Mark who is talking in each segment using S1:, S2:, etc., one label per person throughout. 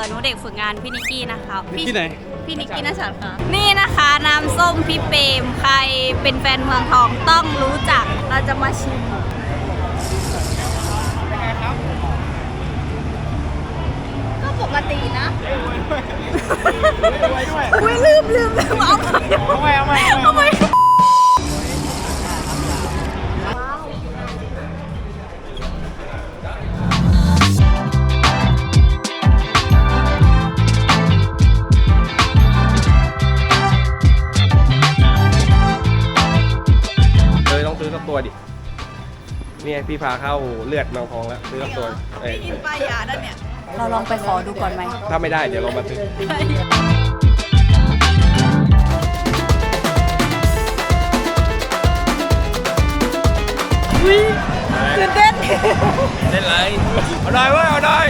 S1: หนูเด็กฝึกงานพี่นิกกี้นะคะ
S2: ที่ไหน
S1: พี่นิกกี้น่าชัดค่ะนี่นะคะน้ำส้มพี่เปรมใครเป็นแฟนเมืองทองต้องรู้จักเราจะมาชิมก็ปกตินะอุ้ยลืมเอาใหม่
S2: ซื้อสักตัวดินี่พี่พาเข้าเลือดเมืองทองแล้วซื้อสักตัว
S1: ไม่กินปลายาด้านเนี่ยเราลองไปขอดูก่อนไหม
S2: ถ้าไม่ได้เดี๋ยวเรามาซื้อ
S1: ตื่นเต้น
S2: เล่นไรเอาได้เว้ยเอาได้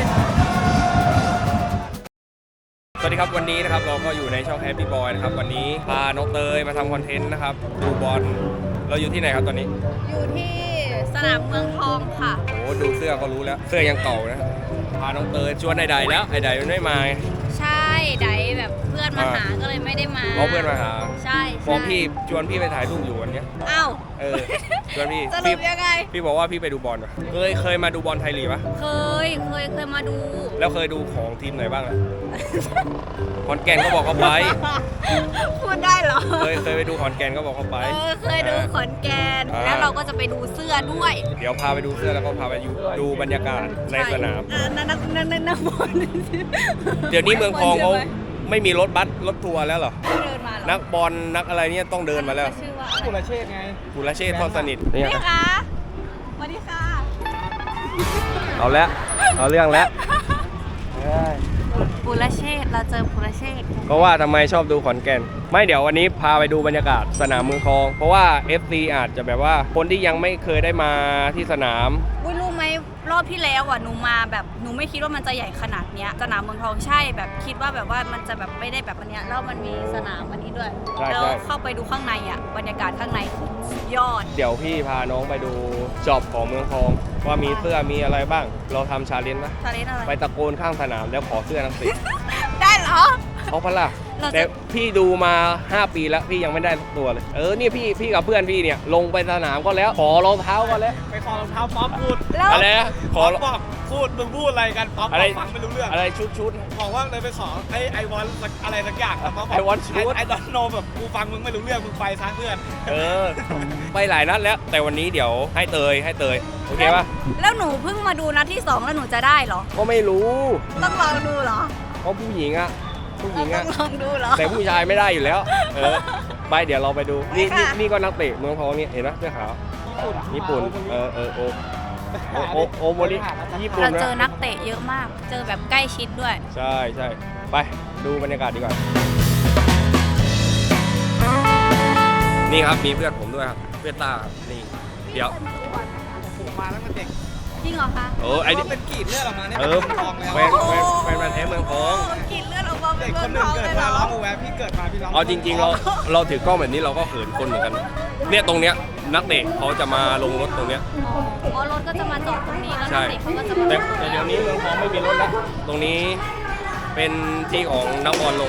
S2: สวัสดีครับวันนี้นะครับเราก็อยู่ในช่องแฮปปี้บอยนะครับวันนี้พาน้องเตยมาทำคอนเทนต์นะครับดูบอลเราอยู่ที่ไหนครับตอนนี้
S1: อยู่ที่สนามเมืองทองค่ะ
S2: โอ้ดูเสื้อก็รู้แล้วเสื้อยังเก่านะพาน้องเตยชวนไอ้ใดแล้วไอ้ใดมันไม่มา
S1: ใช่ไดแบบเพื่อนมาหาก็เลยไม่ได้มา
S2: เพราะเพื่อนมาหา
S1: ใช่
S2: พอพี่ชวนพี่ไปถ่ายรูปอยู่วันนี้
S1: อ้าว
S2: ชวนพี่
S1: สรุปยังไง
S2: พี่บอกว่าพี่ไปดูบอลเคยมาดูบอลไทยลีกปะ
S1: เคยมาดู
S2: แล้วเคยดูของทีมไหนบ้างขอนแก่นก็บอกเขาไป
S1: พูดได้เหรอ
S2: เคยไปดูขอนแก่นก็บอกเขาไป
S1: เคยดูขอนแก่นแล้วเราก็จะไปดูเสื้อด้วย
S2: เดี๋ยวพาไปดูเสื้อแล้วก็พาไปดูบรรยากาศในสนาม
S1: นักบอล
S2: เดี๋ยวนี้เมืองทองเขาไม่มีรถบัสรถทัวร์แล้วเหรอนักบอลนักอะไรเนี่ยต้องเดินมาแล้ว
S3: กุลเชษไง
S2: กุลเชษทอดสนิท
S1: นี่ค่ะสวัสดีค่ะ
S2: เอาแล้วเอาเรื่องแล้ว
S1: ปุระเชษเราเจอปุระเชษ
S2: เพราะว่าทำไมชอบดูขอนแก่นไม่เดี๋ยววันนี้พาไปดูบรรยากาศสนามเมืองทองเพราะว่า FC อาจจะแบบว่าคนที่ยังไม่เคยได้มาที่สนาม
S1: รู้ไหมรอบที่แล้วอ่ะหนูมาแบบหนูไม่คิดว่ามันจะใหญ่ขนาดเนี้ยสนามเมืองทองใช่แบบคิดว่าแบบว่ามันจะแบบไม่ได้แบบอันเนี้ยแล้วมันมีสนามอันนี้ด้วยแล้วเข้าไปดูข้างในอ่ะบรรยากาศข้างในสุดยอด
S2: เดี๋ยวพี่พาน้องไปดูช็อปของเมืองทองว่ามีเสื้อมีอะไรบ้างเราทำชาเลนจ์นะไปตะโกนข้างสนามแล้วขอเสื้อนักเตะ
S1: ได้เหรอ
S2: เขาพละแต่พี่ดูมา5 ปีแล้วพี่ยังไม่ได้สักตัวเลยนี่พี่กับเพื่อนพี่เนี่ยลงไปสนามก็แล้วขอรองเท้าก็แล้ว
S3: ไปขอรองเท้าป๊อปพูด
S2: อะไรนะ
S3: ขอบอกพูดมึงพูดอะไรกันป๊อปฟังไม่รู้เรื่อง
S2: อะไรชุด
S3: บอกว่าเลยไปขอไอวอนอะไรสักอย่างป๊อป
S2: ไอวอนชุด
S3: ไอดอนโนแบบกูฟังมึงไม่รู้เรื่องมึงไปซะเพื่อน
S2: ไปหลายนัดแล้วแต่วันนี้เดี๋ยวให้เตยโอเคป่ะ
S1: แล้วหนูเพิ่งมาดูนัดที่2แล้วหนูจะได้เหรอ
S2: ก็ไม่รู้
S1: ต้องลองดูเหรอ
S2: เพราะผู้หญิง
S1: ต้องลองดูเหรอ
S2: แต่ผู้ชายไม่ได้อยู่แล้วไปเดี๋ยวเราไปดูนี่ก็นักเตะเมืองทองนี่เห็นไหมเสื้อขาวญี่ปุ่นโอโมริญี่ปุ่น
S1: เราเจอนักเตะเยอะมากเจอแบบใกล้ชิดด้วย
S2: ใช่ไปดูบรรยากาศดีกว่านี่ครับมีเพื่อนผมด้วยครับเพื่อนตานี่เดี๋ยว
S3: มาตั้งแต่เด็ก
S1: จริงเหรอคะ
S2: ไอ้
S3: นี่เป็นกรีดเลือดออกมาเนี่ย
S2: แฟนมันแท้เมืองทอง
S1: กรีดเลือดออกมาเป็น
S3: เมืองทองเลยเหรอร้องแวะพี่เกิดมาพี่ร้อง
S2: เอาจริงๆเราถือกล้องแบบนี้เราก็เขินคนเหมือนกันเนี่ยตรงเนี้ยนักเตะเขาจะมาลงรถตรงเนี้ย
S1: รถก็จะมาจอดตรงนี้แล้วนักเตะเขาก็จะมา
S2: แต่เดี๋ยวนี้เมืองทองไม่มีรถแล้วตรงนี้เป็นที่ของนักบอลลง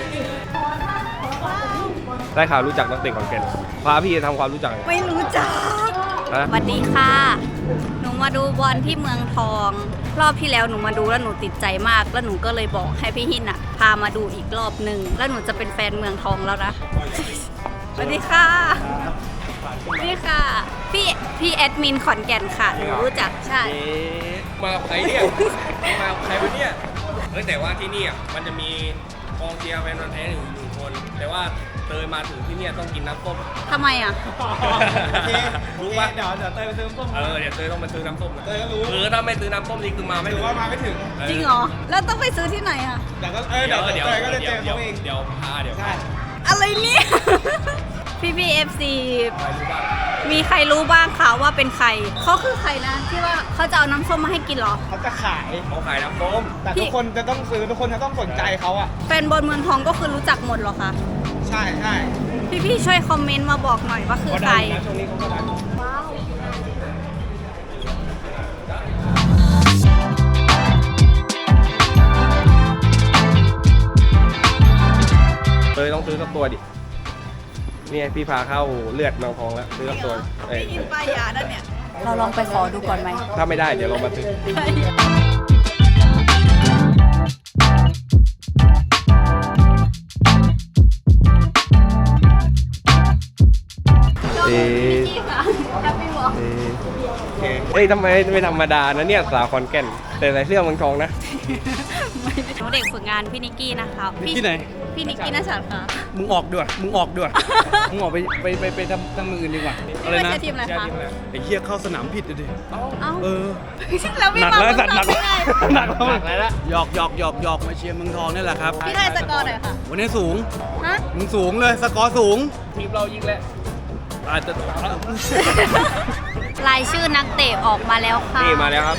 S2: ได้ข่าวรู้จักนักเตะขอนแก่นพาพี่ทำความรู้จัก
S1: ไม่รู้จักสวัสดีค่ะหนูมาดูบอลที่เมืองทองรอบที่แล้วหนูมาดูแล้วหนูติดใจมากแล้วหนูก็เลยบอกให้พี่หินพามาดูอีกรอบหนึ่งแล้วหนูจะเป็นแฟนเมืองทองแล้วนะสวัสดีค่ะนี่ค่ะพี่แอดมินขอนแก่นค่ะหนูรู้จักใช่
S2: มาใครเนี่ยมาใครวะเนี่ยแต่ว่าที่นี่มันจะมีกองเชียร์แฟนบอลแท้อยู่1 คนแต่ว่าเตยมาถึงที่นี่ต้องกินน้ำส้ม
S1: ทำไม
S2: รู้ป่ะ
S3: เดี๋ยวเตยไปซื้อน้ำส้ม
S2: เดี๋ยวเตยต้องไปซื้อน้ำส้ม
S3: เตยก็รู้
S2: ถ้าไม่ซื้อน้ำส้มนี่คือมาไม่ถึง
S3: มาไม่ถึง
S1: จริงเหรอแล้วต้องไปซื้อที่ไหน
S3: เดี๋ยวก็จะเจอเขาเอง
S2: เดี๋ยวพาใช่
S1: อะไรเนี่ยพี่FC มีใครรู้บ้างคะว่าเป็นใครเขาคือใครนะที่ว่าเขาจะเอาน้ำส้มมาให้กินหรอ
S3: เขาจะขาย
S2: น้ำส้ม
S3: แต่ทุกคนจะต้องซื้อทุกคนจะต้องสนใจเขาอะ
S1: แฟนบอลเมืองทองก็คือรู้จักหมดหรอคะ
S3: ใช่
S1: พี่ช่วยคอมเมนต์มาบอกหน่อยว่าคือใคร
S3: ช่วงนี้เขาก็ดัง
S2: สักตัวดิเนี่ยพี่พาเข้าเลือดเมืองทองแล้วซื้อสักตัวเอ้ย
S1: ได้ยินป้ายยาแล้วเนี่ย เราลองไปขอดูก่อนไหม
S2: ถ้าไม่ได้เดี๋ยวเรามาซื้อเอ๊ะ
S1: พี่ค่ะแฮปปี้วอล์ก
S2: เอ้ยทำไมไม่ธรรมดานะเนี่ยสาวขอนแก่นแต่ใส่เสื้อเมืองทองนะ
S1: หนูเด็กฝึกงานพี่นิกกี้นะคะ
S3: ที่ไหน
S1: พี่นิกกี้น่าฉันค่ะ
S3: มึงออกด้วยมึงออกด้วย มึงออกไปทำมืออื่นดีกว่า อะไรนะ
S1: พี่เชียร์ทีมอะไรคะ
S3: ไอ้เหี้ยเข้าสนามผิดเลยดิ
S1: เอ้า
S3: เออ
S1: แล้วพี่
S3: หนัก
S1: มา
S3: แล้วสัตว์หนัก
S1: ไม่ได้
S3: หนักแล้วหยอกมาเชียร์เมืองทองนี่แหละครับ
S1: พี่ไทยสกอร์หน่อยค่ะ
S3: วันนี้สูง
S1: ฮะ
S3: มึงสูงเลยสกอร์สูง
S2: ทีมเรายิงแล้ว
S3: อาจจะ
S1: รายชื่อนักเตะออกมาแล้วค่ะ
S2: นี่มาแล้วครับ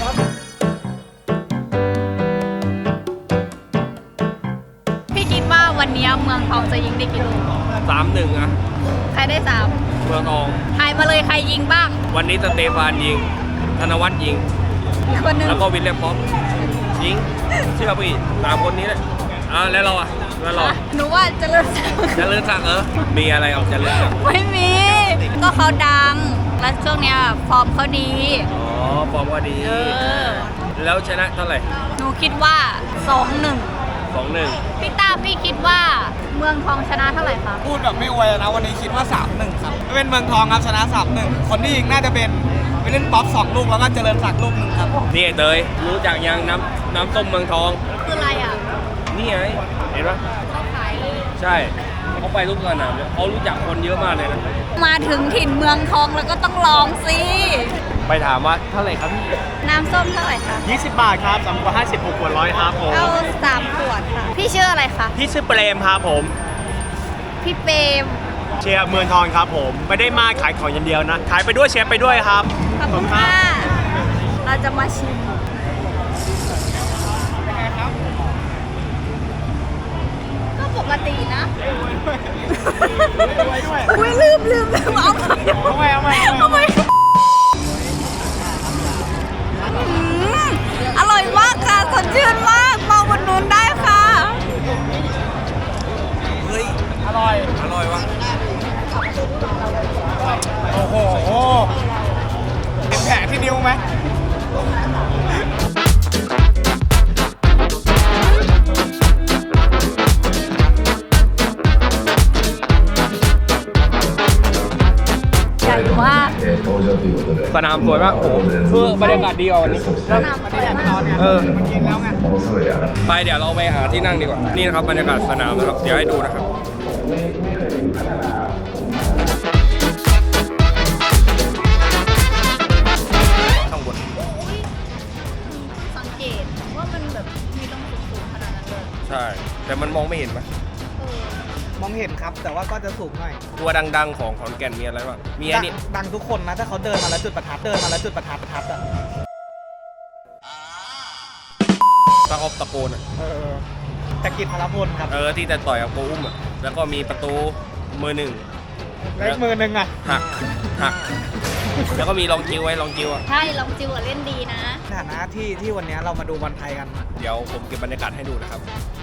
S1: พี่คิดว่าวันนี้เมืองทองจะยิงได้กี่ลูก
S2: 3-1อ่ะ
S1: ใครได้สาม
S2: เมืองทอง
S1: ทายมาเลยใครยิงบ้าง
S2: วันนี้สเตฟานยิง ธนวัฒน์ยิง
S1: อีกคนนึง
S2: แล้วก็วิลเลียมพอปยิงเชื่อพี่สามคนนี้แหละแล้วเราอ่ะแล้วเรา
S1: หนูว่าเจะเลิศ
S2: เจะเลิศศักดิ์มีอะไรกับเจะเลิศศักดิ์
S1: ไม่มี ก็เขาดัง แล้วช่วงเนี้ยฟอร์มเขาดี
S2: อ๋อฟอร์มว่าดี
S1: เออ
S2: แล้วชนะเท่าไหร่
S1: หนูคิดว่า 2-1
S2: 2-1
S1: พี่ตาพี่คิดว่าเมืองทองชนะเท่าไหร่คะ
S3: พูดแบบไม่อวยนะวันนี้คิดว่า 3-1 ครับเป็นเมืองทองครับชนะ 3-1 คนที่ยิงน่าจะเป็นไปเล่นป๊อป2 ลูกแล้วก็เจริญศักดิ์ลูกหนึ่งครับ
S2: นี่เตยรู้จักยังน้ำส้มเมืองทอง
S1: คืออะไรอ่ะ
S2: นี่ไงเห็นปะ
S1: เขาขาย
S2: ใช่เขาไปทุกสนามเลยเขารู้จักคนเยอะมากเลยนะ
S1: มาถึงถิ่นเมืองทองแล้วก็ต้องลองสิ
S2: ไปถามว่าเท่าไหร่ครับพี่
S1: น้ำส้มเท่าไหร่คะ
S3: 20 บาทครับ3ขวด50 6ขวด100ครับผม
S1: เอา3 ขวดค่ะ พี่ชื่ออะไรคะ
S3: พี่ชื่อเปรมครับผม
S1: พี่เปรม
S3: เชียร์เมืองทองครับผมไม่ได้มาขายของอย่างเดียวนะขายไปด้วยเชียร์ไปด้วยครับ
S1: ขอบคุณค่ะ เราจะมาชิม ก็ปกตินะ อุ้ยลืมเอาใหม่
S3: เอาใหม่
S1: อร่อยมากค่ะสดชื่นมากมาบนนู้นได้ค่ะ
S2: เฮ้ย
S3: อร่อย
S2: อร่อยวะ
S3: โอ้โหเห็นแผลที่นิ้วไหม
S1: ใหญ่มาก
S2: สนามสวยมากโอ้โหคือบรรยากาศดีอ่ะวันนี้
S1: สนามสวยมาก
S2: เออไปเดี๋ยวเราไปหาที่นั่งดีกว่า นี่นะครับบรรยากาศสนามนะครับ เดี๋ยวให้ดูนะครับ ข้างบน
S1: สังเกตว่ามันแบบมีตรงสูงๆขนาดนั้นเลย
S2: ใช่ แต่มันมองไม่เห็นไหม
S3: มองเห็นครับแต่ว่าก็จะสูงหน่อย
S2: ตัวดังๆของขอนแก่นมีอะไรบ้าง มีอันนี้
S3: ดังทุกคนนะถ้าเขาเดินมาแล้วจุดประทัดประทัดอ่ะ
S2: ตะออบตะโกนอ่ะ
S3: จักริดพลพลครับ
S2: ที่จะต่อยกับโกอุ้มอ่ะ แล้วก็มีประตูมือหนึ่ง
S3: แล้วอีกมือหนึ่งอ่ะ
S2: หัก แล้วก็มีลองจิวไว้ลองจิวอ่ะ
S1: ใช่ลองจิวอะเล่นดีนะ
S3: ในฐานะที่วันนี้เรามาดูบอลไทยกัน
S2: เดี๋ยวผมเก็บบรรยากาศให้ดูนะครับ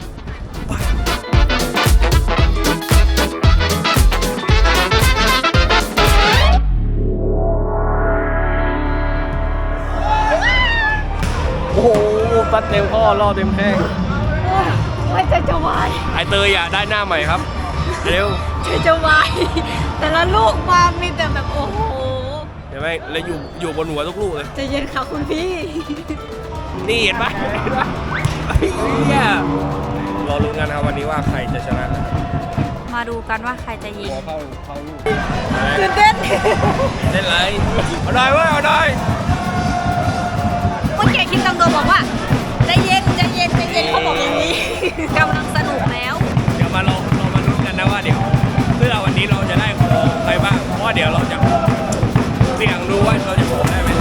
S2: โอ้โหซัดเต็มข้อล่อเต็มแข้ง
S1: ไม่ใจจะวาย
S2: ไอเตยอ่ะได้หน้าใหม่ครับ เร็ว
S1: ใจจะวายแต่ละลูกมามีแต่แบบโอ้โห
S2: เห็นไหมแล้วอยู่บนหัวทุกลูกเลย
S1: ใจเย็นค่ะคุณพี่
S2: นี่เห็นปะเนี่ยรอลุ้นกันนะครับวันนี้ว่าใครจะชนะ
S1: มาดูกันว่าใครจะยิง
S2: หัวเข้าลูก
S1: ตื่นเต้น
S2: เล่นไรเอาได้เว้ยเอาได้
S1: เมื่อกี้คิดตังโดบอกว่าใจเย็นเขาบอกอย่างนี้กำลังสนุกแล้ว
S2: เดี๋ยวมาลองมาลุ้นกันนะว่าเดี๋ยวเสื้อวันนี้เราจะได้ของใครบ้าง เพราะว่าเดี๋ยวเราจะเสี่ยงดูว่าเราจะของได้ไหม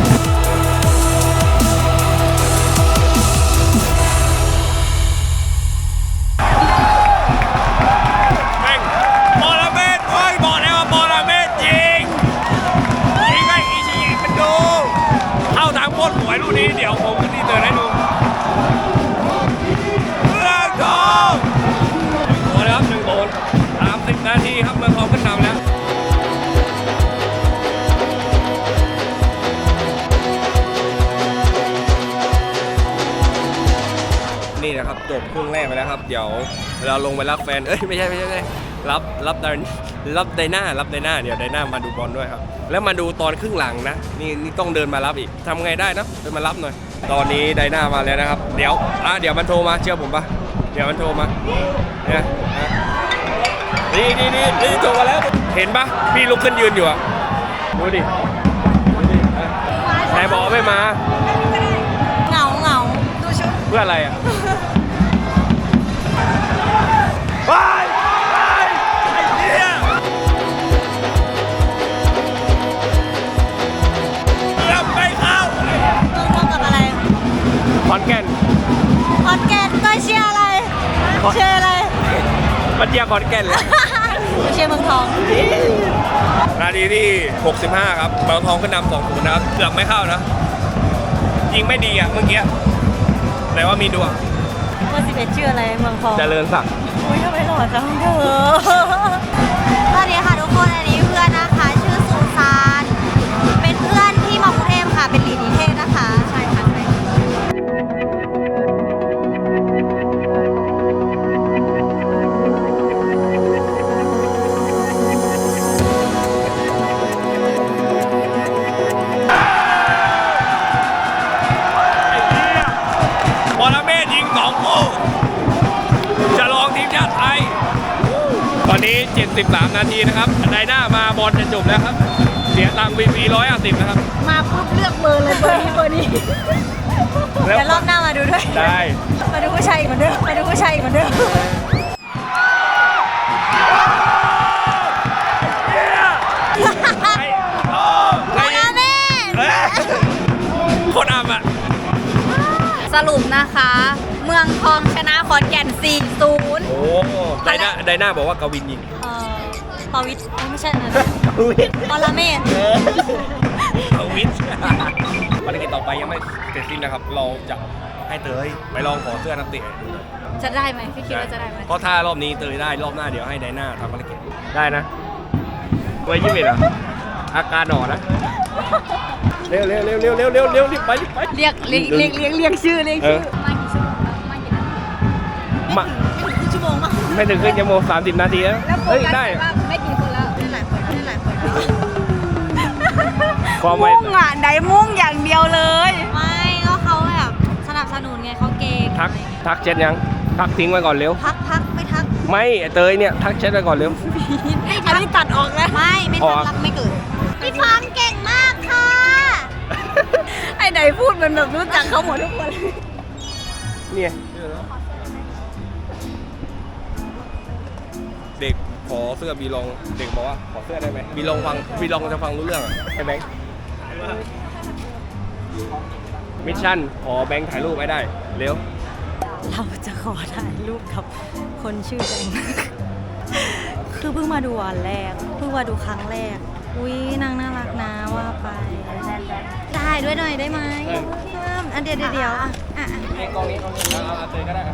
S2: แม่งบอลเมสเฮ้ยบอกแล้วว่าบอลเมสยิงไอ้อีชียิงเป็นดูเข้าทางโคตรหวยลูกนี้เดี๋ยวผมขึ้นที่เตือนให้ดูเรื่องทองจบครึ่งแรกไปแล้วครับ เดี๋ยวเราลงไปรับแฟน ไม่ใช่รับไดน่าเดี๋ยวไดน่ามาดูบอลด้วยครับ แล้วมาดูตอนครึ่งหลังนะ นี่ต้องเดินมารับอีกทำไงได้นะเดินมารับหน่อย ตอนนี้ไดน่ามาแล้วนะครับ เดี๋ยวมันโทรมาเชื่อผมปะเดี๋ยวมันโทรมาเนี่ยนี่โทรมาแล้ว เห็นปะพี่ลุกขึ้นยืนอยู่อะดูดิไหนบอกไม่มา
S1: เหงาดูชุด
S2: เพื่ออะไรอ่ะไอ้เหี้ยเกือบไปเข้า
S1: ต้องทำกับอะไร
S2: ขอนแก่น
S1: ขอนแก่นก็เชียร์อะไรเชียร์อะไร
S2: มันเชียร์ขอนแก่นเลย
S1: เชียร์เมืองทอง
S2: นาทีที่ 65 ครับเมืองทองขึ้นนำ 2-0 นะครับ เกือบไม่เข้านะ ยิงไม่ดีอ่ะเมื่อกี้ แต่ว่ามีดวง
S1: เมื่อ11ชื่ออะไรเมืองทอง
S2: เจริญศักดิ์
S1: อุ้ยทำไมหล่อจังเธอสวัสดีค่ะทุกคนอันนี้เพื่อนนะคะชื่อสุสานเป็นเพื่อนที่มอกรุงเทพค่ะเป็นลีดนิเทศนะคะใช่ค่ะ
S2: บอลเมศยิง2 คู่จะลองทีมชาติไทย ตอนนี้ 73 นาทีนะครับไดน่ามาบอลจะจบแล้วครับ เสียตังค์วีพี150 นะครับ
S1: มาปุ๊บเลือกเบอร์เลยเบอร์นี้เดี๋ยวรอบหน้ามาดูด้วย
S2: ได้
S1: มาดูผู้ชายอีกเหมือนเดิมมาดูผู้ชายอีกเหมือนเดิม
S2: ใครคนอับอ่ะ
S1: สรุปนะคะ เมืองทองชนะขอนแก่น 4-0
S2: โอ้ไดน่าบอกว่ากวินยิง
S1: ปวิทย์ไม่ใช่นะปรเมศ
S2: กวินภารกิจต่อไปยังไม่เสร็จสิ้นนะครับ เราจะให้เตยไปลองขอเสื้อนักเตะดู
S1: จะได้ไหมพี่คิดว่าจะได้ไหม
S2: เพราะถ้ารอบนี้เตยได้รอบหน้าเดี๋ยวให้ไดน่าทำภารกิจได้นะเว้ย21อ่ะอาการหนอนะเร็วรีบไป
S1: เรียกชื่อมากี่ชั่วโมงมากี่นาที
S2: มา
S1: ไม่ถึงชั่วโมงมั้ง
S2: ไม่ถึงครึ่งชั่วโมง30 นาทีแล้วเฮ้ยได้
S1: ไม่กี่คนแล้วได้หลายคนแล้ว
S2: ความไว
S1: มุ่งอ่ะไดมุ่งอย่างเดียวเลยไม่ก็เขาแบบสนับสนุนไงเขาเก่ง
S2: ทักเช็ดยังทักทิ้งไว้ก่อนเร็ว
S1: พักไม่ทัก
S2: ไม่เตยเนี่ยทักเช็ดไว้ก่อนเร็ว
S1: อันนี้ตัดออกนะไม่ทักรักไม่เกิดพี่ฟางเก่งมากค่ะไอ้ไหนพูดมันแบบรู้จักเขาหมดทุกคน
S2: เนี่ยเด็กขอเสื้อบีลองเด็กบอกว่าขอเสื้อได้ไหมบีลองจะฟังรู้เรื่องอ่ะใช่ไหมมิชชั่นขอแบงค์ถ่ายรูปไว้ได้เร็ว
S1: เราจะขอถ่ายรูปกับคนชื่อแบงค์ คือเพิ่งมาดูวันแรกเพิ่งมาดูครั้งแรกอุ้ยนางน่ารักนะว่าไปได้ด้วยหน่อยได้ไหมอันเดียวอ่ะ
S2: ไอ้กองนี้เอาเตยก็ได้ครับ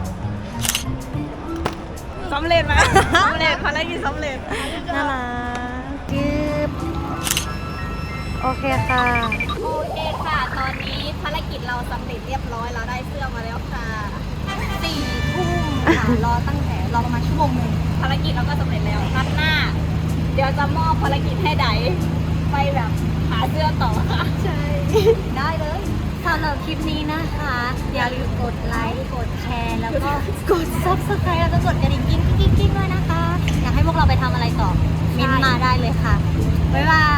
S1: สำเร็จไหมสำเร็จภารกิจสำเร็จน่ารักจึ๊บโอเคค่ะตอนนี้ภารกิจเราสำเร็จเรียบร้อยเราได้เสื้อมาแล้วค่ะ4 ทุ่มค่ะรอประมาณชั่วโมงนึงภารกิจเราก็สำเร็จแล้วนัดหน้า เดี๋ยวจะมอบภารกิจให้ไดไปแบบหาเสื้อต่อค่ะใช่ได้เลยสำหรับคลิปนี้นะคะอย่าลืมกดไลค์กดแชร์แล้วก็กด Subscribe แล้วก็กดกระดิ่งกิ๊งด้วยนะคะอยากให้พวกเราไปทำอะไรต่อเม้นต์มาได้เลยค่ะบ๊ายบาย